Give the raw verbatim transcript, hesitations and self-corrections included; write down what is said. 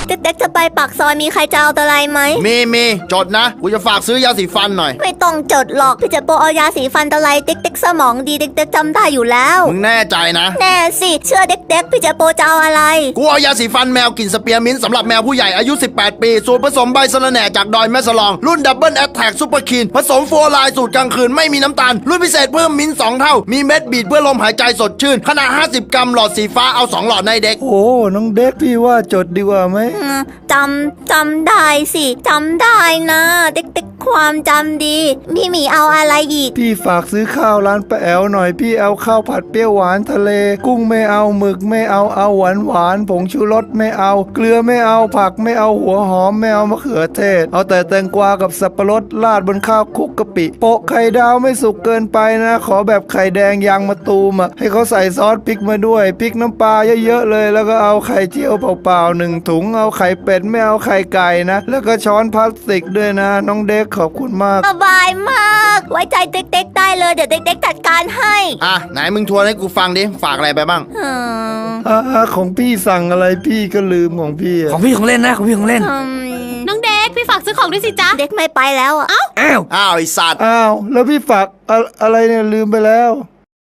เด็กๆจะไปปากซอยมีใครจะเอาอะไรไหมมีมีจดนะกูจะฝากซื้อยาสีฟันหน่อยไม่ต้องจดหรอกพี่เจโปเอายาสีฟันอะไรเด็กๆสมองดีเด็กๆจำได้อยู่แล้วมึงแน่ใจนะแน่สิเชื่อเด็กๆพี่เจโปจะเอาอะไรกูเอายาสีฟันแมวกลิ่นสเปียร์มินต์สำหรับแมวผู้ใหญ่อายุสิบแปดปีสูตรผสมใบสะระแหน่จากดอยแม่สลองรุ่นดับเบิลแอทแทกซุปเปอร์คีนผสมโฟร์ไลน์สูตรกลางคืนไม่มีน้ำตาลรุ่นพิเศษเพิ่มมิ้นท์สองเท่ามีเม็ดบีดเพื่อลมหายใจสดชื่นขนาดห้าสิบกรัมหลอดสีฟ้าเอาสองหลอดในเด็กโอ้น้องเด็กพี่ว่าจดดีกว่าไหมจำจำได้สิจำได้นะเด็กๆความจำดีพี่หมีเอาอะไรอีกพี่ฝากซื้อข้าวร้านป้าแอวหน่อยพี่เอาข้าวผัดเปรี้ยวหวานทะเลกุ้งไม่เอาหมึกไม่เอาเอาหวานหวานผงชูรสไม่เอาเกลือไม่เอาผักไม่เอาหัวหอมไม่เอามะเขือเทศเอาแต่แตงกวากับสับปะรดราดบนข้าวคลุกกะปิโปะไข่ดาวไม่สุกเกินไปนะขอแบบไข่แดงยางมะตูมอ่ะให้เขาใส่ซอสพริกมาด้วยพริกน้ำปลาเยอะๆเลยแล้วก็เอาไข่เจียวเปล่าๆหนึ่งถุงเอาไข่เป็ดไม่เอาไข่ไก่นะแล้วก็ช้อนพลาสติกด้วยนะน้องเด็กขอบคุณมากสบายมากไว้ใจเด็กๆได้เลยเดี๋ยวเด็กๆจัดการให้อ่ะไหนมึงทวนให้กูฟังดิฝากอะไรไปบ้างอ่าของพี่สั่งอะไรพี่ก็ลืมของพี่ของพี่ของเล่นนะของพี่ของเล่นน้องเด็กพี่ฝากซื้อของด้วยสิจ๊ะเด็กไม่ไปแล้วอ่ะอ้าวอ้าวไอสัตว์อ้าวแล้วพี่ฝากอะอะไรเนี่ยลืมไปแล้ว